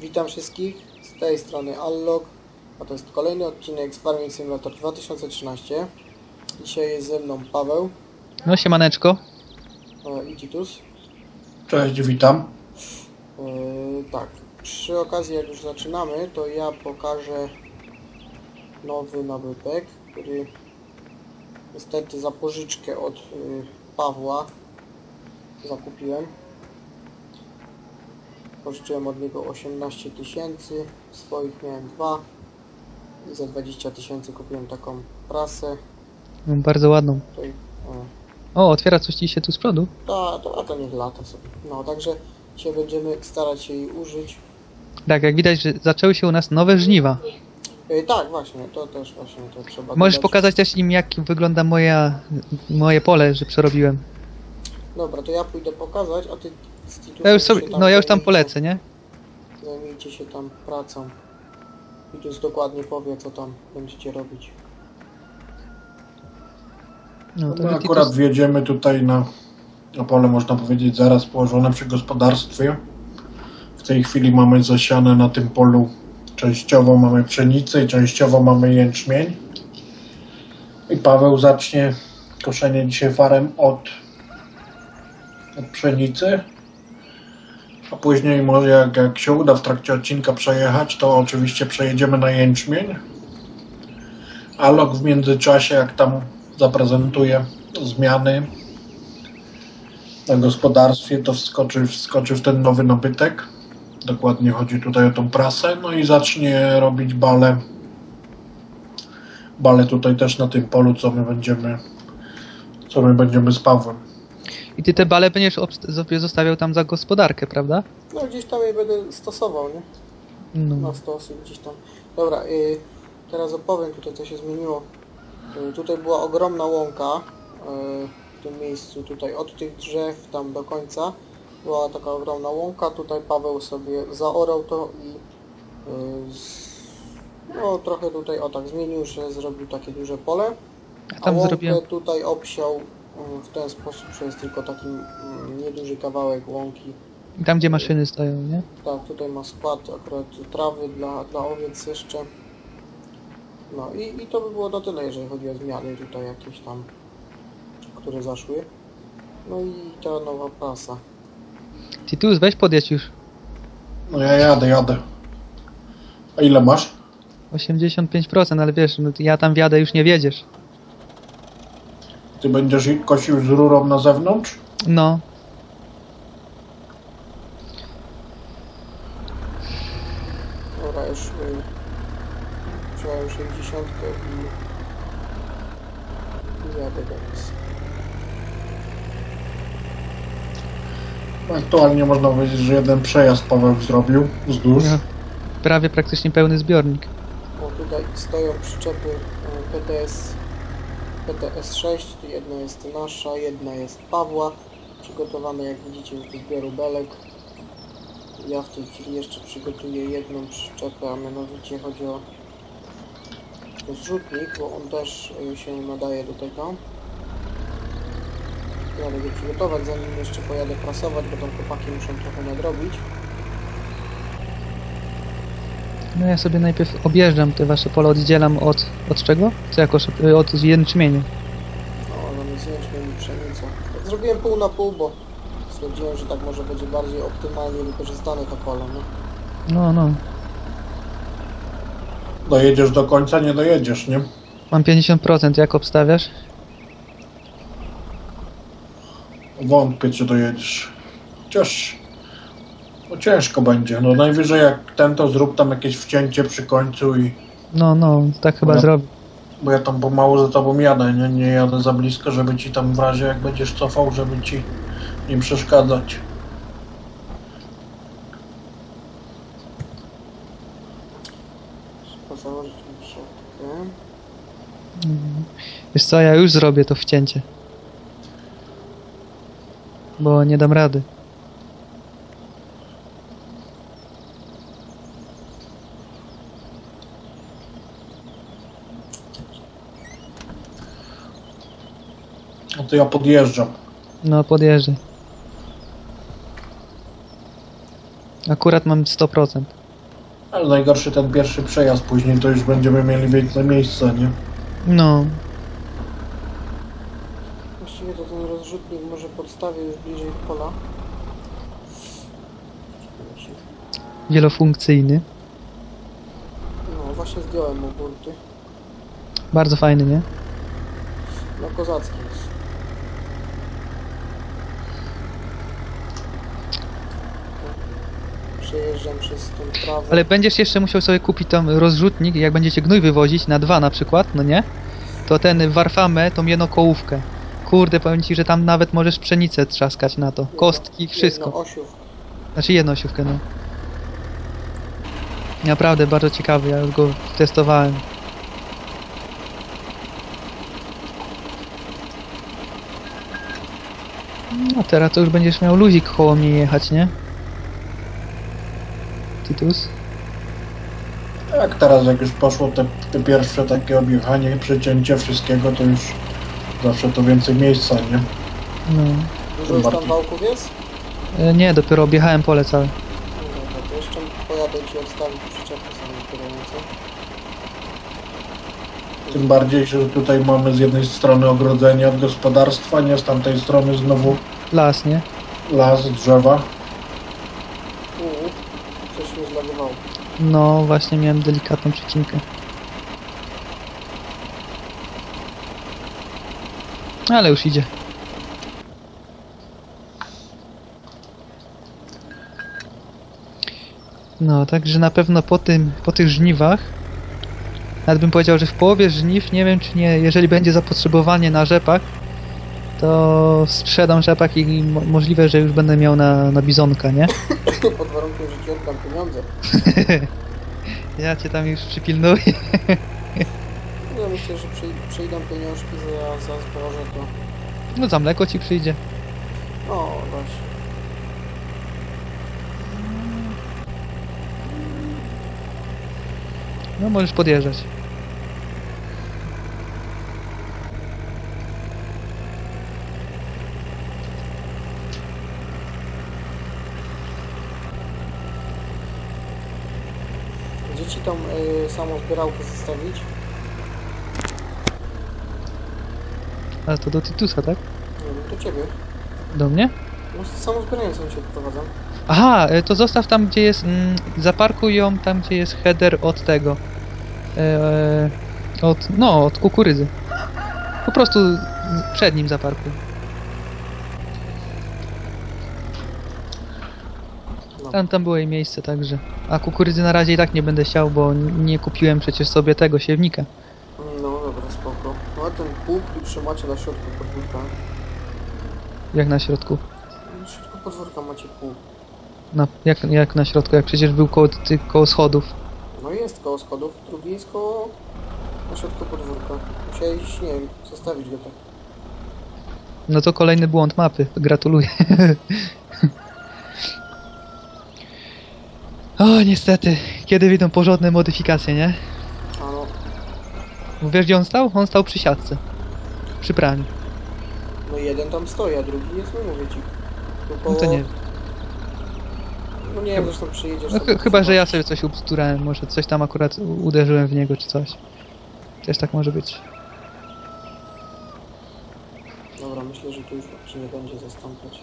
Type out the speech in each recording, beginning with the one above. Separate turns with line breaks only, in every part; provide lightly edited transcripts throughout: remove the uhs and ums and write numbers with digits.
Witam wszystkich, z tej strony Allog, a to jest kolejny odcinek z Farming Simulator 2013. Dzisiaj jest ze mną Paweł
No siemaneczko.
I Titus.
Cześć, witam.
Tak, przy okazji jak już zaczynamy, to ja pokażę nowy nabytek, który niestety za pożyczkę od Pawła zakupiłem. Pożyczyłem od niego 18 tysięcy, swoich miałem 2 i za 20 tysięcy kupiłem taką prasę.
No, bardzo ładną.
Tutaj,
O, otwiera coś ci się tu z przodu.
a to niech lata sobie. No, także dzisiaj będziemy starać się jej użyć.
Tak, jak widać, że zaczęły się u nas nowe żniwa.
Tak, właśnie, to też właśnie to trzeba
Możesz
dodać.
pokazać też im, jak wygląda moje pole, że przerobiłem.
Dobra, to ja pójdę pokazać, a ty z Titusem
Ja już sobie,
się
no ja już tam
zajmijcie-
polecę, nie?
Zajmijcie się tam pracą. Titus dokładnie powie, co tam będziecie robić.
No,
My
to
akurat wjedziemy tutaj na pole, można powiedzieć, zaraz położone przy gospodarstwie. W tej chwili mamy zasiane na tym polu, częściowo mamy pszenicę i częściowo mamy jęczmień. I Paweł zacznie koszenie dzisiaj farem od pszenicy. A później może jak się uda w trakcie odcinka przejechać, to oczywiście przejedziemy na jęczmień. A Lok w międzyczasie, jak tam zaprezentuje zmiany na gospodarstwie, to wskoczy w ten nowy nabytek. Dokładnie chodzi tutaj o tą prasę. No i zacznie robić bale. Bale tutaj też na tym polu, co my będziemy z Pawłem.
I ty te bale będziesz sobie zostawiał tam za gospodarkę, prawda?
No gdzieś tam je będę stosował, nie?
No.
Na stosy gdzieś tam. Dobra, teraz opowiem tutaj, co się zmieniło. Tutaj była ogromna łąka w tym miejscu, tutaj od tych drzew tam do końca była taka ogromna łąka. Tutaj Paweł sobie zaorał to i no trochę tutaj o tak zmienił, że zrobił takie duże pole.
Ja
A
tam
łąkę
zrobiłem.
tutaj obsiał w ten sposób, że jest tylko taki nieduży kawałek łąki.
I tam, gdzie maszyny stoją, nie?
Tak, tutaj ma skład akurat trawy dla owiec jeszcze. No i to by było na tyle, jeżeli chodzi o zmiany tutaj jakieś tam, które zaszły. No i ta nowa prasa.
Titus, weź podjedź już.
No ja jadę. A ile masz?
85%, ale wiesz, no, ja tam wjadę, już nie wiedziesz.
Ty będziesz kosił z rurą na zewnątrz?
No.
Dobra, już wziąłem 60 i jadę teraz.
Aktualnie można powiedzieć, że jeden przejazd Paweł zrobił wzdłuż.
No. Prawie praktycznie pełny zbiornik.
O, tutaj stoją przyczepy PTS-6, jedna jest nasza, jedna jest Pawła. Przygotowane, jak widzicie, do zbioru belek. Ja w tej chwili jeszcze przygotuję jedną przyczepę, a mianowicie chodzi o zrzutnik, bo on też się nadaje do tego. Jadę go przygotować, zanim jeszcze pojadę prasować, bo tam chłopaki muszą trochę nadrobić.
No ja sobie najpierw objeżdżam te wasze pole, oddzielam od czego? Co jako od jęczmieniu.
No, mamy jęczmień i pszenicę. Tak zrobiłem pół na pół, bo stwierdziłem, że tak może będzie bardziej optymalnie wykorzystane to pole, no.
No.
Dojedziesz do końca, nie dojedziesz, nie?
Mam 50%, jak obstawiasz?
Wątpię, czy dojedziesz. Chociaż no ciężko będzie. No najwyżej jak ten, to zrób tam jakieś wcięcie przy końcu i...
No, tak chyba
No.
zrobię.
Bo ja tam pomału za tobą jadę, nie jadę za blisko, żeby ci tam w razie jak będziesz cofał, żeby ci nie przeszkadzać.
Trzeba założyć mi siatkę.
Wiesz co, ja już zrobię to wcięcie. Bo nie dam rady.
No to ja podjeżdżam.
No, podjeżdżaj. Akurat mam 100%.
Ale najgorszy ten pierwszy przejazd, później to już będziemy mieli więcej miejsca, nie?
No,
Właściwie to ten rozrzutnik może podstawię już bliżej pola.
wielofunkcyjny.
No właśnie zdjąłem mu burty.
Bardzo fajny, nie?
No kozacki jest. Przejeżdżam przez tą trawę.
Ale będziesz jeszcze musiał sobie kupić tam rozrzutnik, jak będziecie gnój wywozić na 2 na przykład, no nie? To ten warfamę, tą jedną kołówkę. Kurde, powiem ci, że tam nawet możesz pszenicę trzaskać na to. Kostki, wszystko.
Jedno osiów.
Znaczy jedną osiówkę, no. Naprawdę bardzo ciekawy, ja już go testowałem. No teraz to już będziesz miał luzik koło mnie jechać, nie? Titus?
Tak, teraz jak już poszło te pierwsze takie objechanie, przecięcie wszystkiego, to już zawsze to więcej miejsca, nie?
No.
Dużo już tam
bardziej.
wałków jest?
Nie, dopiero objechałem pole całe.
No dobra, to jeszcze pojadę ci odstawić przyczepę samochodową.
Tym bardziej, że tutaj mamy z jednej strony ogrodzenie od gospodarstwa, nie z tamtej strony znowu
Las, nie?
las, drzewa.
Coś mnie zlagowało.
No, właśnie miałem delikatną przecinkę. Ale już idzie. No, także na pewno po tych żniwach, nawet bym powiedział, że w połowie żniw, nie wiem czy nie, jeżeli będzie zapotrzebowanie na rzepak, to sprzedam rzepak i możliwe, że już będę miał na bizonka, nie?
Pod warunkiem, że ci oddam pieniądze.
Ja cię tam już przypilnuję.
Ja myślę, że przyjdą pieniążki za zboże, to...
No za mleko ci przyjdzie.
O, właśnie.
No możesz podjeżdżać.
Gdzie ci tą samą zbierałkę zostawić?
Ale to do Titusa, tak?
Nie wiem, do ciebie.
Do mnie?
No z samą zbierającą cię odprowadzam.
Aha, to zostaw tam gdzie jest, zaparkuj ją tam gdzie jest header od tego. Od kukurydzy. Po prostu przed nim zaparkuj.
No.
Tam było jej miejsce, także. A kukurydzy na razie i tak nie będę siał, bo nie kupiłem przecież sobie tego siewnika.
No dobra, spoko. No a ten pług tu trzymacie na środku podwórka.
Jak na środku.
Na środku podwórka macie pług.
Jak na środku, jak przecież był koło schodów.
No jest koło schodów, drugi jest koło... na środku podwórka. Musiałeś, nie wiem, zostawić go tak.
No to kolejny błąd mapy. Gratuluję. O, niestety. Kiedy wyjdą porządne modyfikacje, nie?
A no,
Bo wiesz gdzie on stał? On stał przy siatce. Przy praniu.
no jeden tam stoi, a drugi jest, no mówię ci. Tu koło...
No to nie.
No nie wiem, zresztą przyjedziesz
No
sobie
chyba, że ja
zobaczysz.
sobie coś ubsturałem. Może coś tam akurat uderzyłem w niego czy coś. Też tak może być.
Dobra, myślę, że tu już się nie będzie zastąpiać.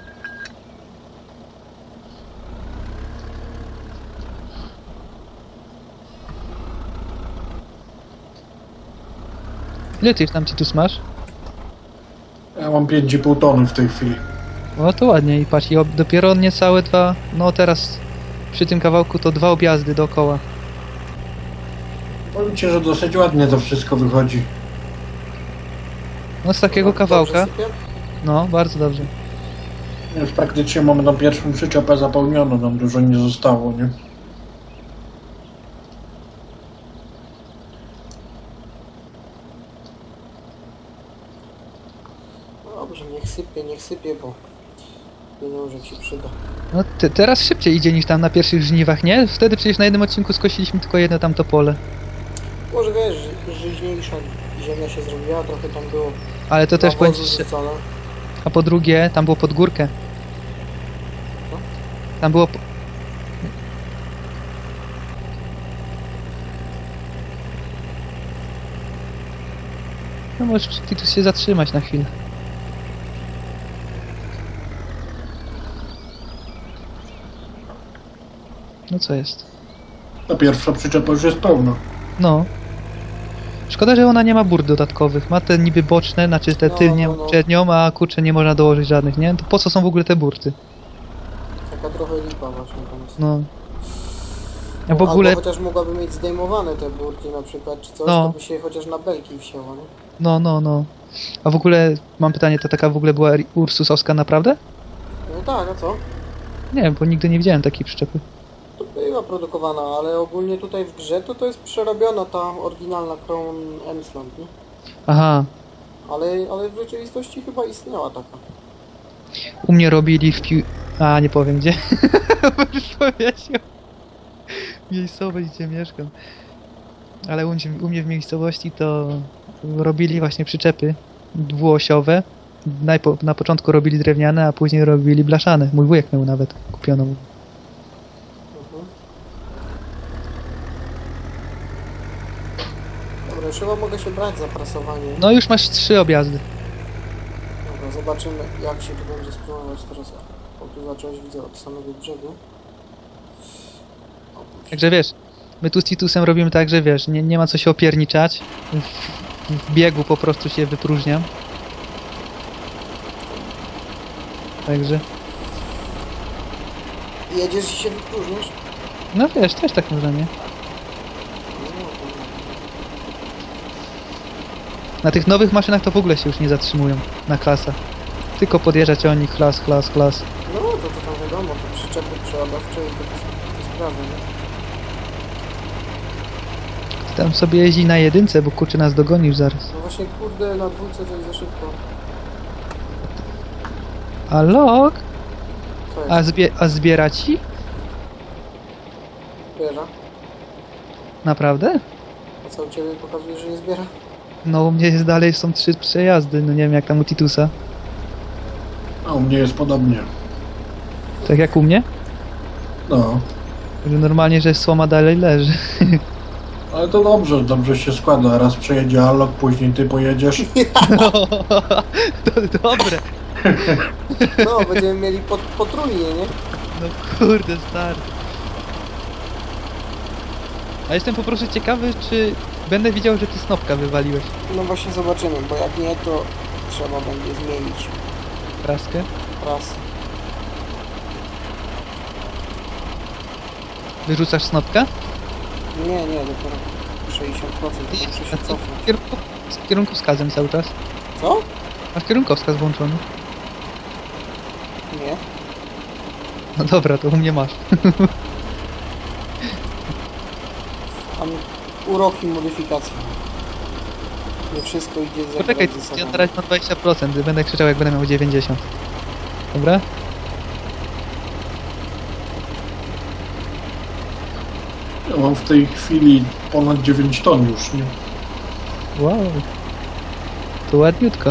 Ile ty tam Titus masz?
Ja mam 5,5 tony w tej chwili.
O to ładnie i patrz, dopiero niecałe 2, no teraz przy tym kawałku to 2 objazdy dookoła.
Powiem ci, że dosyć ładnie to wszystko wychodzi.
No z takiego
Dobrze
kawałka,
sypie?
no bardzo dobrze.
Już praktycznie mamy na pierwszą przyczepę zapełnioną, nam dużo nie zostało, nie?
Dobrze, niech sypie, bo pieniążek się przyda.
No teraz szybciej idzie niż tam na pierwszych żniwach, nie? Wtedy przecież na jednym odcinku skosiliśmy tylko jedno tamto pole.
Może wiesz, żyźniejsza ziemia się zrobiła, trochę tam było
Ale to też
nawozu
powiem ci, że...
rzucone.
A po drugie, tam było pod górkę.
Co?
Tam było... No możesz Titus się zatrzymać na chwilę. No co jest?
Ta pierwsza przyczepa już jest pełna.
No. Szkoda, że ona nie ma bur dodatkowych. Ma te niby boczne, znaczy te
No,
tylnie
no, no.
przednią, a kurczę nie można dołożyć żadnych, nie? To po co są w ogóle te burty?
Taka trochę lipa właśnie tam jest.
No. A w ogóle,
Albo chociaż mogłaby mieć zdejmowane te burki na przykład, czy coś,
No.
to by się chociaż na belki wsięło, nie?
no. A w ogóle, mam pytanie, to taka w ogóle była Ursusowska naprawdę?
No tak, a co?
Nie wiem, bo nigdy nie widziałem takiej przyczepy.
To była produkowana, ale ogólnie tutaj w grze to jest przerobiona ta oryginalna Crown Emsland, nie?
Aha.
Ale w rzeczywistości chyba istniała taka.
U mnie robili A, nie powiem gdzie. Możesz powiedział. Miejscowość, gdzie mieszkam. Ale u mnie w miejscowości to robili właśnie przyczepy dwuosiowe. Na początku robili drewniane, a później robili blaszane. Mój wujek miał nawet kupioną.
Mhm. Dobra, już chyba mogę się brać za prasowanie.
No już masz 3 objazdy.
Dobra, zobaczymy jak się tu będzie spróbować teraz. O, tu zacząłeś, widzę, od samego brzegu. O,
Także wiesz, my tu z Titusem robimy tak, że wiesz, nie ma co się opierniczać. W biegu po prostu się wypróżniam. Także,
jedziesz i się wypróżnisz?
no wiesz, też tak można, nie? Na tych nowych maszynach to w ogóle się już nie zatrzymują na klasach. Tylko podjeżdżać o nich, klas.
No to tam wiadomo, to przyczepy przeładowcze i te sprawy, nie?
Tam sobie jeździ na jedynce, bo kurczę nas dogonisz zaraz.
No właśnie, kurde, na dwójce to jest za szybko.
A log?
Co jest?
A zbiera ci?
Zbiera?
Naprawdę?
A co u Ciebie pokazuje, że nie zbiera?
No u mnie jest dalej, są 3 przejazdy, no nie wiem jak tam u Titusa.
A u mnie jest podobnie.
Tak jak u mnie?
No.
Że normalnie, że słoma dalej leży.
Ale to dobrze się składa. Raz przejedzie Alok, później ty pojedziesz.
No, to dobre.
No, będziemy mieli potrójnie, nie?
No kurde, stary. A jestem po prostu ciekawy, czy będę widział, że ty snopka wywaliłeś.
No właśnie zobaczymy, bo jak nie, to trzeba będzie zmienić
Praskę.
raz.
Wyrzucasz snopka?
Nie, dopiero 60%, to muszę się cofnąć.
Z kierunkowskazem cały czas.
Co?
Masz kierunkowskaz włączony.
Nie.
No dobra, to u mnie masz.
Tam uroki modyfikacji. Nie wszystko idzie za
Poczekaj,
ze sobą.
ja na razie mam 20%, będę krzyczał jak będę miał 90. Dobra?
Ja mam w tej chwili ponad 9 ton już, nie?
Wow. To ładniutko.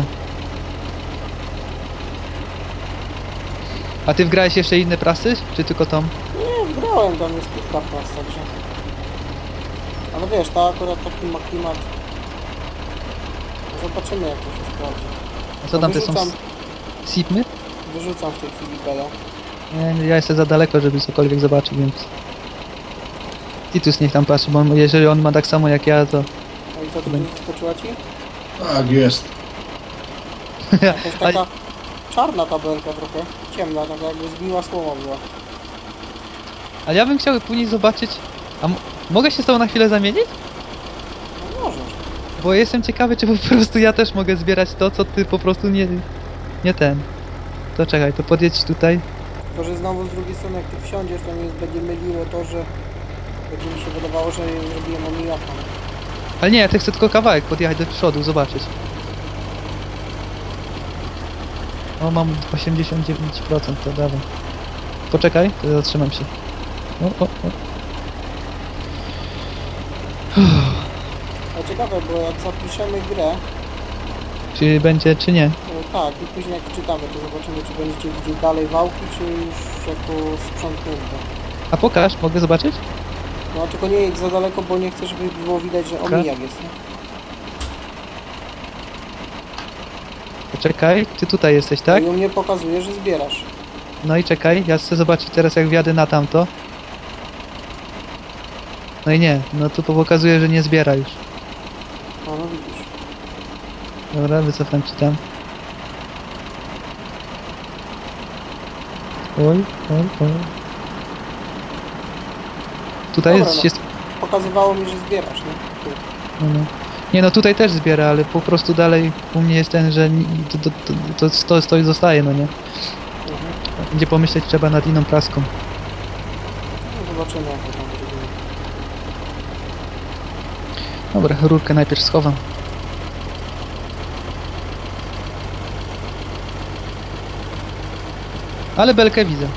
A ty wgrałeś jeszcze inne prasy? Czy tylko tą?
Nie, wgrałem, tam jest kilka pras, także... Ale wiesz, ta akurat taki ma klimat. Zobaczymy jak to się sprawdzi.
A co tam te są?
Wyrzucam,
Sipmy?
wyrzucam w tej chwili belę.
Nie, ja jestem za daleko, żeby cokolwiek zobaczyć, więc... Titus niech tam patrzy, bo jeżeli on ma tak samo jak ja, to...
No i co, to
Będzie.
wyskoczyła ci?
Tak jest.
Jakaś
Ale-
taka czarna tabelka trochę, ciemna, taka jakby zgniła słoma była.
Ale ja bym chciał później zobaczyć... A mogę się z tobą na chwilę zamienić?
No możesz.
Bo jestem ciekawy, czy po prostu ja też mogę zbierać to, co ty po prostu nie ten. To czekaj, to podjedź tutaj.
Tylko, że znowu z drugiej strony jak ty wsiądziesz, to mnie będzie myliło to, że będzie mi się wydawało, że zrobiłem omijaka.
Ale nie, ja chcę tylko kawałek podjechać do przodu, zobaczyć. O, mam 89%, to dawaj. Poczekaj, to zatrzymam się. O.
Ale ciekawe, bo jak zapiszemy grę,
Czy będzie, czy nie?
tak, i później jak czytamy, to zobaczymy, czy będziecie widzieć dalej wałki, czy już jako sprzątnięte.
A pokaż, mogę zobaczyć?
No tylko nie jedź za daleko, bo nie chcę, żeby było widać, że omijak jest, nie?
Poczekaj, ty tutaj jesteś, tak?
I u mnie pokazuje, że zbierasz.
No i czekaj, ja chcę zobaczyć teraz jak wjadę na tamto. No i nie, no to pokazuje, że nie zbiera już.
No, no widzisz.
Dobra, wycofam ci tam. Oj. Tutaj
Dobra,
jest...
no. Pokazywało mi, że zbierasz, nie? Tu.
No. Nie no, tutaj też zbiera, ale po prostu dalej u mnie jest ten, że to stoi, zostaje, no nie?
Mhm.
Będzie pomyśleć trzeba nad inną praską.
No, zobaczymy, jak to tam będzie.
Dobra, rurkę najpierw schowam. Ale belkę widzę.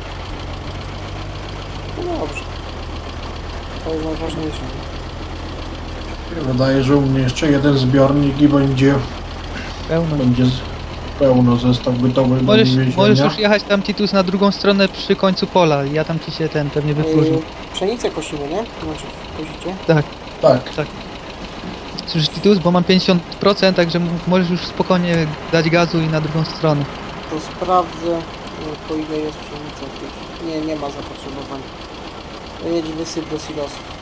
No dobrze. To jest najważniejsze.
Wydaje, że u mnie jeszcze jeden zbiornik i będzie
Pełno.
pełno zestaw gotowy do
Możesz
wywiezienia.
już jechać tam Titus na drugą stronę przy końcu pola. Ja tam ci się pewnie wypróżnię.
Pszenicę kosimy, nie? Znaczy, kosicie?
Tak.
Słyszysz Titus? Bo mam 50%, także możesz już spokojnie dać gazu i na drugą stronę.
To sprawdzę, po ile jest pszenica w tej chwili. Nie ma zapotrzebowania. Jedź wysyp do silosów.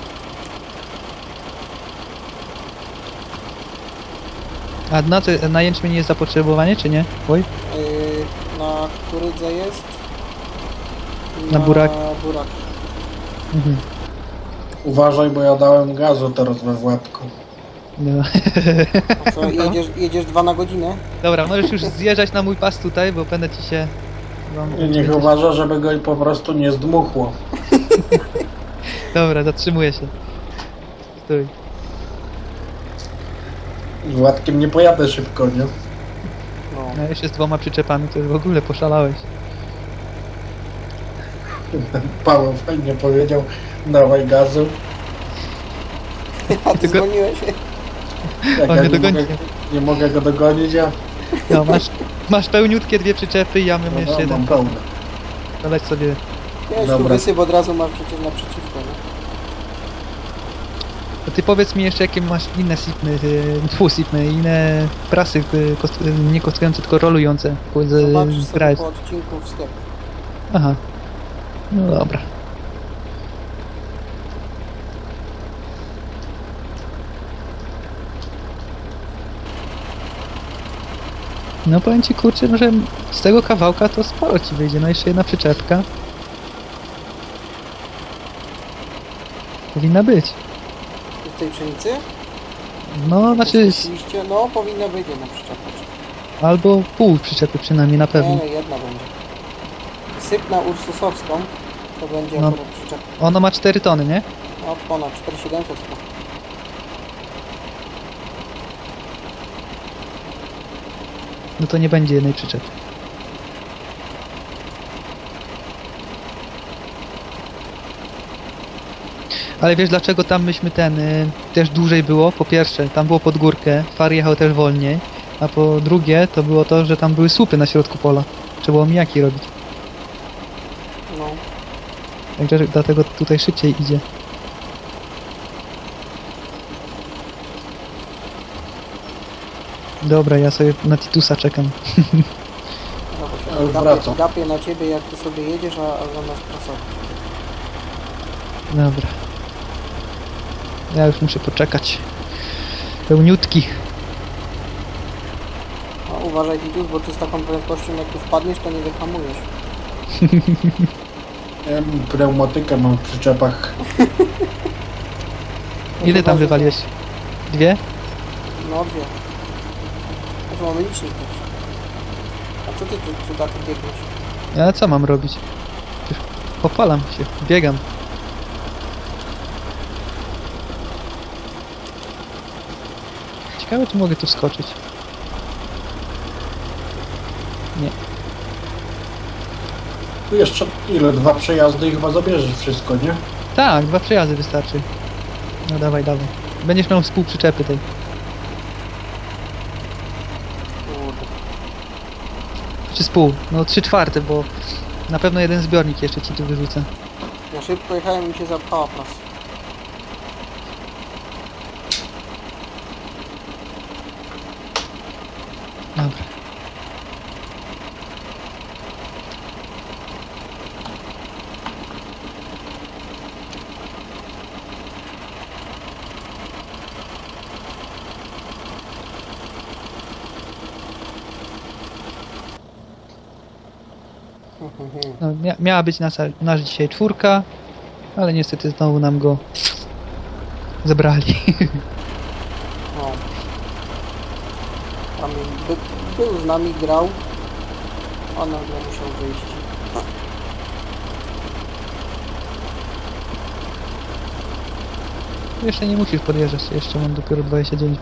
A na jęczmień jest zapotrzebowanie, czy nie? Oj,
Na kukurydze jest. I
Na buraki.
buraki.
mhm.
Uważaj, bo ja dałem gazu teraz we Władku.
No.
A co, jedziesz 2 na godzinę?
Dobra, możesz już zjeżdżać na mój pas tutaj, bo będę ci się...
Niech uważa, żeby go po prostu nie zdmuchło.
Dobra, zatrzymuję się. Stój.
Z Władkiem nie pojadę szybko, nie?
No.
No jeszcze z 2 przyczepami, to już w ogóle poszalałeś.
Paweł fajnie powiedział, dawaj gazu.
A ty
Tylko-
dzwoniłeś?
Jak
On
ja
mnie dogoni.
nie mogę go dogonić, a
No, masz pełniutkie 2 przyczepy, ja mam jeszcze
no,
jeden.
mam pełne.
Doleć sobie...
Jedź tu
Dobra.
wysyp, od razu masz przecież naprzeciwko, nie?
To ty powiedz mi jeszcze, jakie masz inne sipmy, inne prasy, nie kostujące, tylko rolujące.
Zobaczysz sobie
grać.
po odcinku w sklep.
Aha. No dobra. No powiem ci kurczę, no, że z tego kawałka to sporo ci wyjdzie, no jeszcze jedna przyczepka. Powinna być.
Z tej pszenicy?
No znaczy,
Oczywiście, no powinna być jedna przyczepa.
albo pół przyczepy przynajmniej na pewno.
Nie, no jedna będzie. Syp na ursusowską, to będzie
No.
akurat przyczepa.
Ona ma 4 tony, nie?
No ponad 4700 chyba.
No to nie będzie jednej przyczepy. Ale wiesz dlaczego tam myśmy też dłużej było? Po pierwsze, tam było pod górkę, far jechał też wolniej, a po drugie to było to, że tam były słupy na środku pola. Trzeba było mijaki robić.
No.
Także dlatego tutaj szybciej idzie. Dobra, ja sobie na Titusa czekam.
No bo
Ja już
się
wracam.
gapię na ciebie, jak ty sobie jedziesz, a zamiast prasować.
Dobra. Ja już muszę poczekać. Pełniutki.
No, uważaj Titus, bo ty z taką prędkością jak tu wpadniesz, to nie wyhamujesz.
Ja pneumatykę mam w przyczepach.
Ile tam wywaliłeś? 2?
No 2. A tu mamy licznik też. A co ty tu tak biegniesz?
A co mam robić? Przecież popalam się, biegam. Ciekawe, czy mogę tu wskoczyć. Nie.
Tu jeszcze ile? 2 przejazdy i chyba zabierzesz wszystko, nie?
Tak, 2 przejazdy wystarczy. No dawaj, dawaj. Będziesz miał z pół przyczepy tej.
Kurde.
Czy z pół? No 3/4, bo na pewno jeden zbiornik jeszcze ci tu wyrzucę.
Ja szybko jechałem i mi się zapchała prasa.
Dobra. No, miała być nasz dzisiaj 4, ale niestety znowu nam go zebrali.
No. Tam był z nami, grał, a nagle musiał wyjść.
Jeszcze nie musisz podjeżdżać, jeszcze mam dopiero 29%.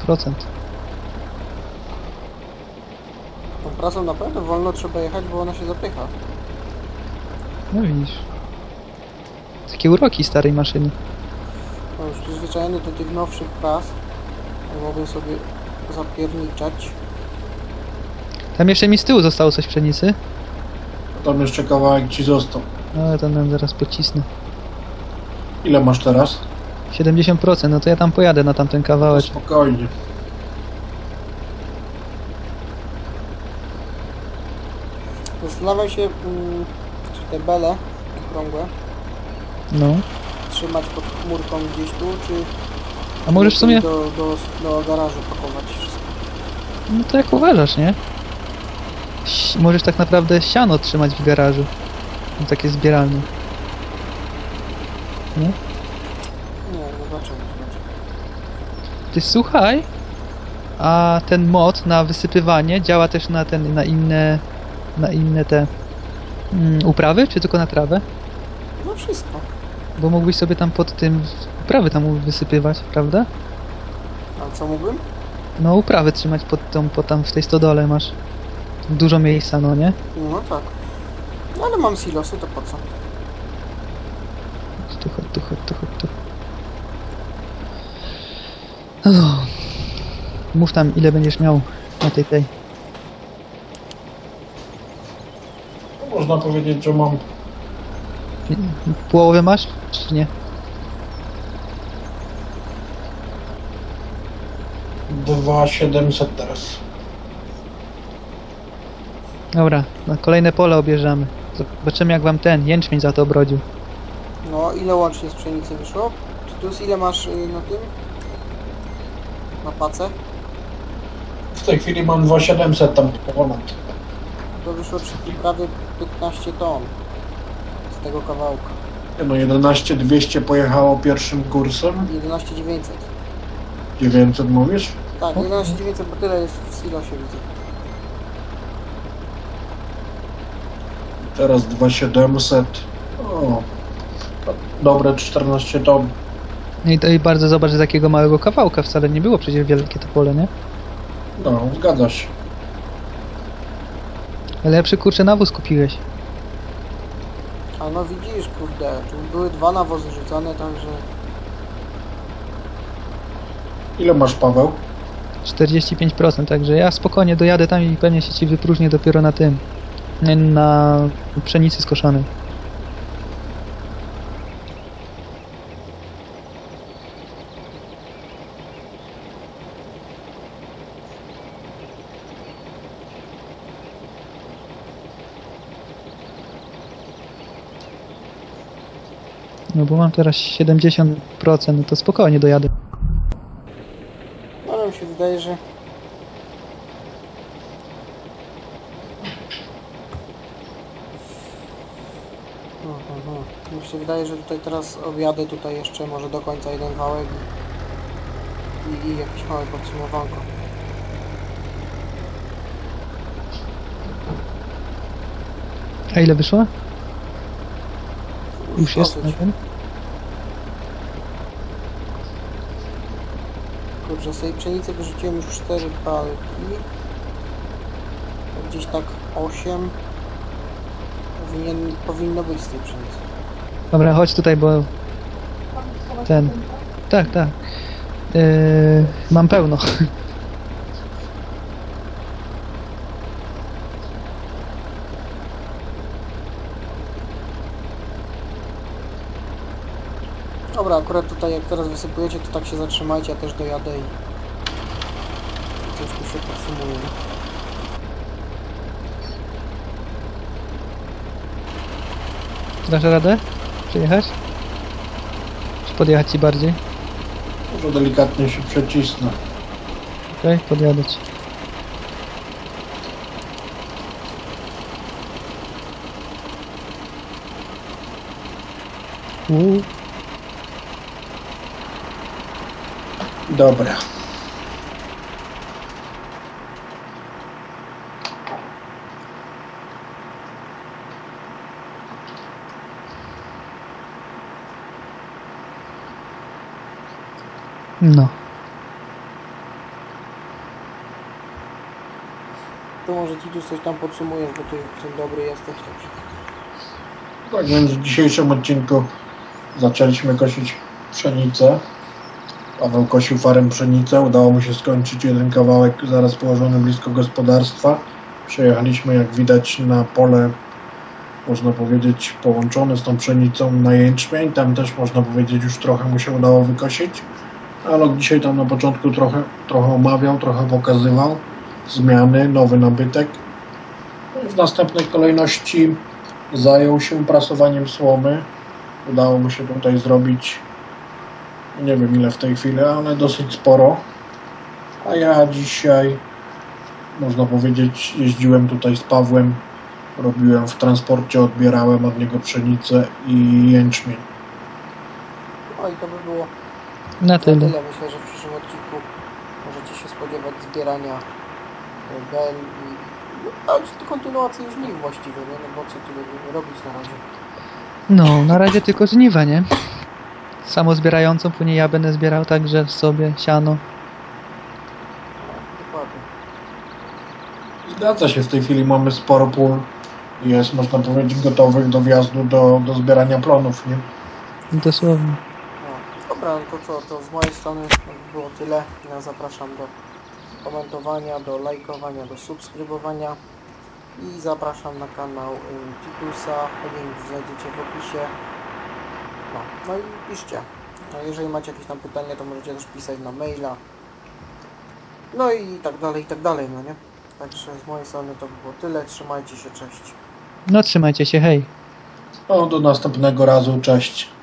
Tą pracą naprawdę wolno trzeba jechać, bo ona się zapycha.
No widzisz. Takie uroki starej maszyny.
No już przyzwyczajony do tych nowszych pras, mogę sobie zapierniczać.
Tam jeszcze mi z tyłu zostało coś pszenicy.
A tam jeszcze kawałek ci został.
No ale to nam zaraz pocisnę.
Ile masz teraz?
70%, no to ja tam pojadę na tamten kawałek.
Spokojnie.
Zastanawiam się, czy te bele okrągłe
No.
trzymać pod chmurką gdzieś tu, czy
A możesz w sumie...
do garażu pakować wszystko.
No to jak uważasz, nie? Możesz tak naprawdę siano trzymać w garażu. No, takie zbieralne. Nie?
Nie, zobaczymy.
Ty słuchaj, a ten mod na wysypywanie działa też na inne te uprawy, czy tylko na trawę?
No wszystko.
Bo mógłbyś sobie tam pod tym uprawy tam wysypywać, prawda?
A co mógłbym?
No uprawy trzymać pod tam w tej stodole masz dużo miejsca, no nie?
No tak. No ale mam silosy, to po co?
Tu. No. Mów tam, ile będziesz miał na tej.
Można powiedzieć, że mam
Połowę masz, czy nie?
2700 teraz.
Dobra, na kolejne pole objeżdżamy. Zobaczymy jak wam ten jęczmień za to obrodził.
No ile łącznie z pszenicy wyszło? Tytus, ile masz na tym? Na pace?
W tej chwili mam 2700 tam ponad.
To wyszło prawie 15 ton z tego kawałka.
No 11200 pojechało pierwszym kursem.
11900.
900 mówisz?
Tak, 11900, bo tyle jest w silosie widzę.
Teraz 2700. O, dobre 14 ton.
No i bardzo zobacz, z takiego małego kawałka wcale nie było przecież wielkie to pole, nie?
No, zgadza się.
Lepszy kurczę nawóz kupiłeś.
A no widzisz, kurde, tu były 2 nawozy rzucane, także...
Ile masz, Paweł?
45%, także ja spokojnie dojadę tam i pewnie się ci wypróżnię dopiero na tym. Na pszenicy skoszonej. No bo mam teraz 70%, no to spokojnie dojadę.
Ale mi się wydaje, że... Mi się wydaje, że tutaj teraz objadę tutaj jeszcze może do końca jeden wałek i jakieś małe podsumowanko.
A ile wyszło? Już jest na
dosyć.
tym?
Kurczę, z tej pszenicy wyrzuciłem już 4 palki. Gdzieś tak 8 powinno być z tej pszenicy.
Dobra, chodź tutaj, bo ten... Tak. Mam pełno.
Dobra, akurat tutaj jak teraz wysypujecie, to tak się zatrzymajcie, ja też dojadę i coś tu się podsumuje.
Dasz radę? Przyjechać? Czy podjechać ci bardziej?
Może delikatnie się przecisnę.
Okej, podjadę ci.
Dobra.
No.
To może Titus coś tam podsumujesz, bo ty dzień dobry jesteś, także.
Tak więc w dzisiejszym odcinku zaczęliśmy kosić pszenicę. Paweł kosił farem pszenicę. Udało mu się skończyć jeden kawałek zaraz położony blisko gospodarstwa. Przejechaliśmy, jak widać, na pole, można powiedzieć, połączone z tą pszenicą na jęczmień. Tam też, można powiedzieć, już trochę mu się udało wykosić. Ale dzisiaj tam na początku trochę omawiał, trochę pokazywał zmiany, nowy nabytek. No i w następnej kolejności zajął się prasowaniem słomy. Udało mu się tutaj zrobić, nie wiem ile w tej chwili, ale dosyć sporo. A ja dzisiaj, można powiedzieć, jeździłem tutaj z Pawłem, robiłem w transporcie, odbierałem od niego pszenicę i jęczmień.
No i to by było
Na tyle.
tyle. Myślę, że w przyszłym odcinku możecie się spodziewać zbierania bel i kontynuacji żniw właściwie, nie? No bo co tu będziemy robić na razie?
No, na razie tylko żniwa, nie? Samozbierającą, później ja będę zbierał także sobie siano.
No, dokładnie.
Zgadza się, w tej chwili mamy sporo pól. Jest, można powiedzieć, gotowych do wjazdu do zbierania plonów, nie?
Dosłownie.
No, dobra, no to co, to z mojej strony było tyle. Ja zapraszam do komentowania, do lajkowania, do subskrybowania i zapraszam na kanał Titusa, link znajdziecie w opisie. No i piszcie. No, jeżeli macie jakieś tam pytania, to możecie też pisać na maila. No i tak dalej, no nie? Także z mojej strony to było tyle. Trzymajcie się, cześć.
No trzymajcie się, hej.
No, do następnego razu, cześć.